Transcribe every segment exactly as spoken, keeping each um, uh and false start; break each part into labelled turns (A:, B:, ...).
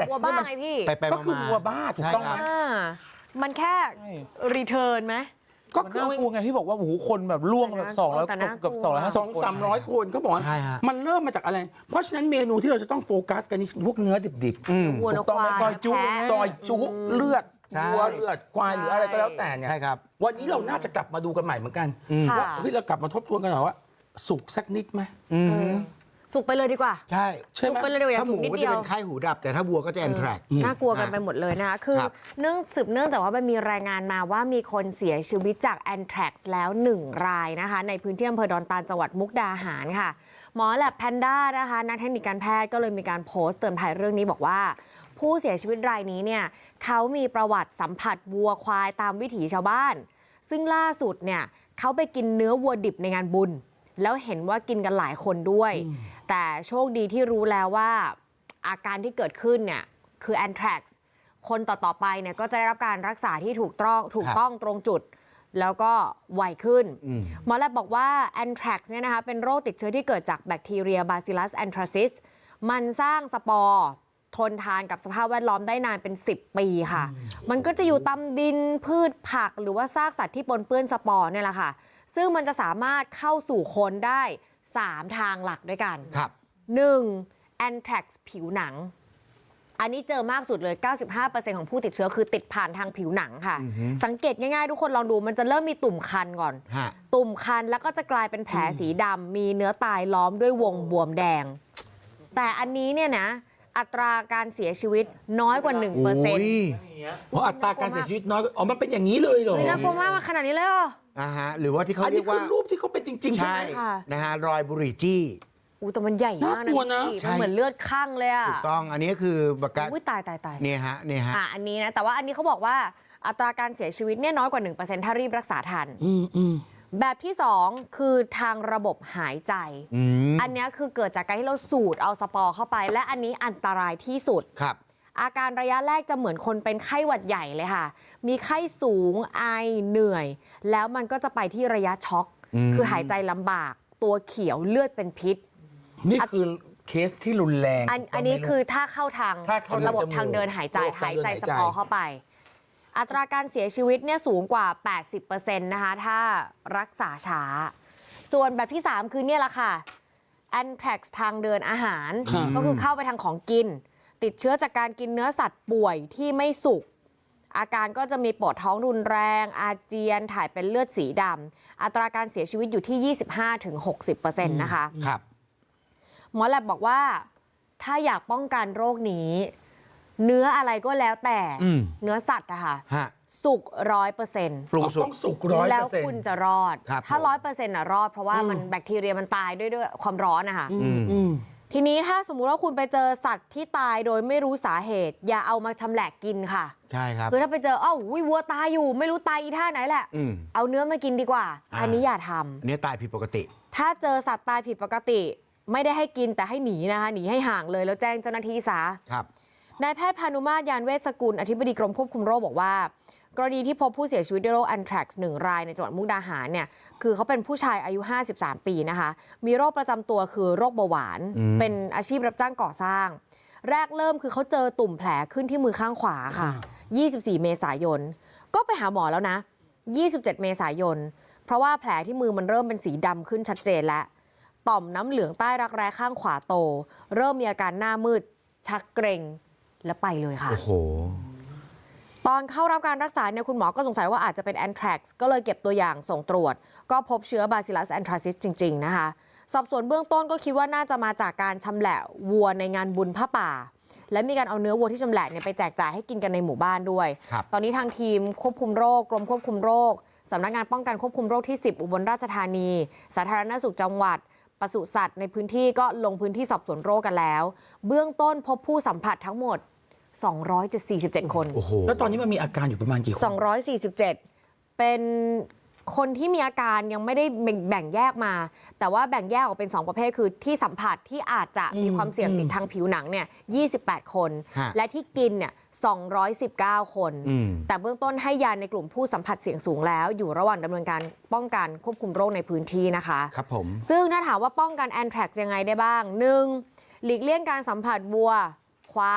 A: กวัวบ้าไงพี่
B: ก็คือวัวบ้าถูกต้องไหม
A: มันแค่รีเทิร์นไหม
C: ก็คือน่ากลัวไงที่บอกว่าโอ้โหคนแบบล่วงแบบสองร้อยกับสองร้อยห้าสิบ
B: สองสามร้อยคนก็บอกมันเริ่มมาจากอะไรเพราะฉะนั้นเมนูที่เราจะต้องโฟกัสกันนี่พวกเนื้อดิบ
A: ๆวัวควาย
B: ซอยจุซอยจุเลือดวัวเลือดควายหรืออะไรก็แล้วแต่เนี่ยวันนี้เราน่าจะกลับมาดูกันใหม่เหมือนกันว่าเฮ้ยเรากลับมาทบทวนกันหน่อยว่าสุกสักนิดไหม
A: สุกไปเลยดีกว่า
D: ใช่
A: สุกไปเลยเดียว
D: ถ้าหมูก็จะเป็นไข้หูดับแต่ถ้าวัวก็จะแอนแทรก
A: น่ากลัวกันไปหมดเลยนะคะคือเนื่องสืบเนื่องจากว่ามันมีรายงานมาว่ามีคนเสียชีวิตจากแอนแทรกแล้วหนึ่งรายนะคะในพื้นที่อำเภอดอนตาลจังหวัดมุกดาหารค่ะหมอแลบแพนด้านะคะนักเทคนิคการแพทย์ก็เลยมีการโพสต์เตือนภัยเรื่องนี้บอกว่าผู้เสียชีวิตรายนี้เนี่ยเขามีประวัติสัมผัสวัวควายตามวิถีชาวบ้านซึ่งล่าสุดเนี่ยเขาไปกินเนื้อวัวดิบในงานบุญแล้วเห็นว่ากินกันหลายคนด้วยแต่โชคดีที่รู้แล้วว่าอาการที่เกิดขึ้นเนี่ยคือแอนแทรกซ์คนต่อๆไปเนี่ยก็จะได้รับการรักษาที่ถูกต้องถูกต้องตรงจุดแล้วก็ไวขึ้นหมอแลบบอกว่าแอนแทรกซ์เนี่ยนะคะเป็นโรคติดเชื้อที่เกิดจากแบคทีเรียบาซิลัสแอนทราซิสมันสร้างสปอร์ทนทานกับสภาพแวดล้อมได้นานเป็นสิบปีค่ะมันก็จะอยู่ตามดินพืชผักหรือว่าซากสัตว์ที่ปนเปื้อนสปอร์เนี่ยแหละค่ะซึ่งมันจะสามารถเข้าสู่คนได้สามทางหลักด้วยกัน
D: ครับ
A: หนึ่งแอนแทรกซ์ผิวหนังอันนี้เจอมากสุดเลย เก้าสิบห้าเปอร์เซ็นต์ ของผู้ติดเชื้อคือติดผ่านทางผิวหนังค่ะสังเกตง่ายๆทุกคนลองดูมันจะเริ่มมีตุ่มคันก่อนตุ่มคันแล้วก็จะกลายเป็นแผลสีดำมีเนื้อตายล้อมด้วยวงบวมแดงแต่อันนี้เนี่ยนะอัตราการเสียชีวิตน้อยกว่า หนึ่งเปอร์เซ็นต์
B: เพราะอัตราการเสียชีวิตน้อยอ๋อมันเป็นอย่างนี้เลยเหรอ
A: น่ากลัวมากขนาดนี้เลยเหรอ
D: อ่าฮะหรือว่าที่เขาเรียกว่า
B: รูปที่เขาเป็นจริงๆใช่ไหม
D: นะฮะรอยบุหรี่จี้
A: อู้แต่มันใหญ่มากนะมันเหมือนเลือดข้างเลยอ่ะ
D: ถูกต้องอันนี้คือบักกะ
A: อุ้ยตายตายตาย
D: เนี่ยฮะเนี่ยฮะ
A: อ่ะอันนี้นะแต่ว่าอันนี้เขาบอกว่าอัตราการเสียชีวิตเนี่ยน้อยกว่า หนึ่งเปอร์เซ็นต์ ถ้ารีบรักษาทัน
B: อืมอืม
A: แบบที่สองคือทางระบบหายใจอันนี้คือเกิดจากการที่เราสูดเอาสปอร์เข้าไปและอันนี้อันตรายที่สุด
D: ครับ
A: อาการระยะแรกจะเหมือนคนเป็นไข้หวัดใหญ่เลยค่ะมีไข้สูงไอเหนื่อยแล้วมันก็จะไปที่ระยะช็อกคือหายใจลำบากตัวเขียวเลือดเป็นพิษ
B: นี่คือเคสที่รุนแรง
A: อันอันนี้คือถ้าเข้าทางระบบทางเดินหายใจหายใจสปอร์เข้าไปอัตราการเสียชีวิตเนี่ยสูงกว่า แปดสิบเปอร์เซ็นต์ นะคะถ้ารักษาช้าส่วนแบบที่สามคือเนี่ยแหละค่ะแอนแทรกซ์ทางเดินอาหารก็คือเข้าไปทางของกินติดเชื้อจากการกินเนื้อสัตว์ป่วยที่ไม่สุกอาการก็จะมีปวดท้องรุนแรงอาเจียนถ่ายเป็นเลือดสีดำอัตราการเสียชีวิตอยู่ที่ ยี่สิบห้าถึงหกสิบเปอร์เซ็นต์ นะคะ
D: ครับ
A: หมอแลบบอกว่าถ้าอยากป้องกันโรคนี้เนื้ออะไรก็แล้วแต่เนื้อสัตว์อะค่ะสุกร้อยเปอร์เซ็นต์
B: ต้องสุกร้อย
A: แล้วคุณจะรอดถ้าร้อยเปอร์เซ็นต์อะรอดเพราะว่ามันแบคทีเรียมันตายด้วยด้วยความร้อนนะคะทีนี้ถ้าสมมุติว่าคุณไปเจอสัตว์ที่ตายโดยไม่รู้สาเหตุอย่าเอามาชำแหละกินค่ะ
D: ใช่ครับ
A: คือถ้าไปเจออ้าววัวตายอยู่ไม่รู้ตายอีท่าไหนแหละเอาเนื้อมากินดีกว่าอันนี้อย่าทำ
D: อันนี้ตายผิดปกติ
A: ถ้าเจอสัตว์ตายผิดปกติไม่ได้ให้กินแต่ให้หนีนะคะหนีให้ห่างเลยแล้วแจ้งเจ้าหน้าที่ซะ
D: ครับ
A: นายแพทย์พานุมาตรยานเวชสกุลอธิบดีกรมควบคุมโรคบอกว่ากรณีที่พบผู้เสียชีวิตด้วยโรคแอนแทรกซ์หนึ่งรายในจังหวัดมุกดาหารเนี่ยคือเขาเป็นผู้ชายอายุห้าสิบสามปีนะคะมีโรคประจำตัวคือโรคเบาหวานเป็นอาชีพรับจ้างก่อสร้างแรกเริ่มคือเขาเจอตุ่มแผลขึ้นที่มือข้างขวาค่ะยี่สิบสี่เมษายนก็ไปหาหมอแล้วนะยี่สิบเจ็ดเมษายนเพราะว่าแผลที่มือมันเริ่มเป็นสีดำขึ้นชัดเจนแล้วต่อมน้ำเหลืองใต้รักแร้ข้างขวาโตเริ่มมีอาการหน้ามืดชักเกร็งแล้วไปเลยค่ะ
D: โอ้โห
A: ตอนเข้ารับการรักษาเนี่ยคุณหมอก็สงสัยว่าอาจจะเป็นแอนแทรกซ์ก็เลยเก็บตัวอย่างส่งตรวจก็พบเชื้อบาซิลัสแอนทราซิสจริงๆนะคะสอบสวนเบื้องต้นก็คิดว่าน่าจะมาจากการชำแหละวัวในงานบุญผ้าป่าและมีการเอาเนื้อวัวที่ชำแหละเนี่ยไปแจกจ่ายให้กินกันในหมู่บ้านด้วยตอนนี้ทางทีมควบคุมโรคกรมควบคุมโรคสำนักงานป้องกันควบคุมโรคที่สิบอุบลราชธานีสาธารณสุขจังหวัดปศุสัตว์ในพื้นที่ก็ลงพื้นที่สอบสวนโรคกันแล้วเบื้องต้นพบผู้สัมผัสทั้งหมดสองร้อยสี่สิบเจ็ดคน
B: แล้วตอนนี้มันมีอาการอยู่ประมาณกี่คน
A: สองร้อยสี่สิบเจ็ดเป็นคนที่มีอาการยังไม่ได้แบ่งแยกมาแต่ว่าแบ่งแยกออกเป็นสองประเภทคือที่สัมผัสที่อาจจะมีความเสี่ยงติดทางผิวหนังเนี่ยยี่สิบแปดคนและที่กินเนี่ยสองร้อยสิบเก้าคนแต่เบื้องต้นให้ยาในกลุ่มผู้สัมผัสเสี่ยงสูงแล้วอยู่ระหว่างดำเนินการป้องกันควบคุมโรคในพื้นที่นะคะ
D: ครับผม
A: ซึ่งถ้าถามว่าป้องกันแอนแทรกซ์ยังไงได้บ้างหนึ่งหลีกเลี่ยงการสัมผัสวัวควาย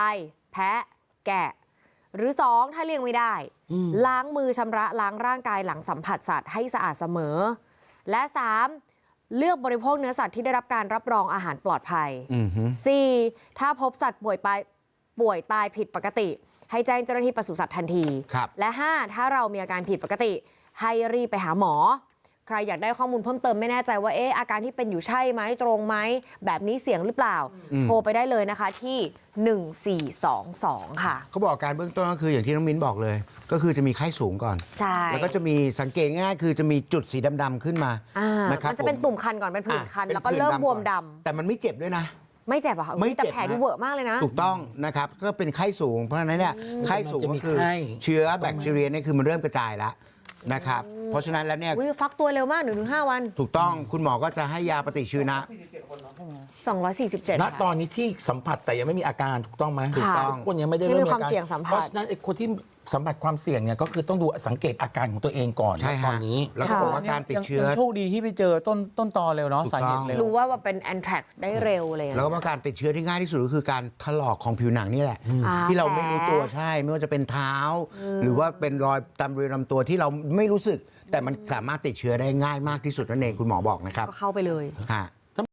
A: แพะแกะหรือสองถ้าเลี้ยงไม่ได้ ล้างมือชำระล้างร่างกายหลังสัมผัสสัตว์ให้สะอาดเสมอ และสามเลือกบริโภคเนื้อสัตว์ที่ได้รับการรับรองอาหารปลอดภัย สี่ถ้าพบสัตว์ป่วยไปป่วยตายผิดปกติ ให้แจ้งเจ้าหน้าที่ปศุสัตว์ทันที และห้าถ้าเรามีอาการผิดปกติให้รีบไปหาหมอ ใครอยากได้ข้อมูลเพิ่มเติมไม่แน่ใจว่าเอ๊ะอาการที่เป็นอยู่ใช่ไหมตรงไหมแบบนี้เสี่ยงหรือเปล่า โทรไปได้เลยนะคะที่หนึ่งสี่สองสองค่ะ
D: เขาบอกการเบื้องต้นก็คืออย่างที่น้องมิ้นบอกเลย ก็คือจะมีไข้สูงก่อน
A: ใช่
D: แล้วก็จะมีสังเกตง่ายคือจะมีจุดสีดำๆขึ้นมานะครับ
A: มันจะเป็นตุ่มคันก่อนเป็นผื่นคัน แล้วก็เริ่มบวมดำ
D: แต่มันไม่เจ็บด้วยนะ
A: ไม่เจ็บอะค่ะแต่แผลดูเวอะมากเลยนะ
D: ถูกต้องนะครับก็เป็นไข้สูงเพราะฉะนั้นเนี่ยไข้สูงก็คือเชื้อแบคทีเรียเนี่ยคือมันเริ่มกระจายแล้วนะครับเพราะฉะนั้นแล้วเนี่ย
A: ฟักตัวเร็วมากหนึ่งถึงห้าวัน
D: ถูกต้องคุณหมอก็จะให้ยาปฏิชีวนะ
A: สองร้อยสี่สิบเจ็ด
B: ณตอนนี้ที่สัมผัสแต่ยังไม่มีอาการถูกต้องไหม
A: ถูกต้อง
B: คนยังไม่ได้เริ่มมี
A: ความเสี่ยงสัมผัส
B: เพราะฉะนั้นไอ้คนที่สัมผัสความเสี่ยงเนี่ยก็คือต้องดูสังเกตอาการของตัวเองก่อนตอนนี้
D: แล้วก็บอกว่าการติดเชื้อ
C: โชคดีที่ไปเจอต้นต้นตอเร็วเนาะสาเหตุเร็ว
A: รู้ว่าว่าเป็นแอนแทรกซ์ได้เร็วเลย
D: แล้วก็การติดเชื้อที่ง่ายที่สุดก็คือการถลอกของผิวหนังนี่แหละที่เราไม่รู้ตัวใช่ไม่ว่าจะเป็นเท้า หรือว่าเป็นรอยตามบริเวณลำตัวที่เราไม่รู้สึกแต่มันสามารถติดเชื้อได้ง่ายมากที่สุดนั่นเองคุณหมอบอกนะครับ
A: ก็เข้าไปเลย
D: ฮะ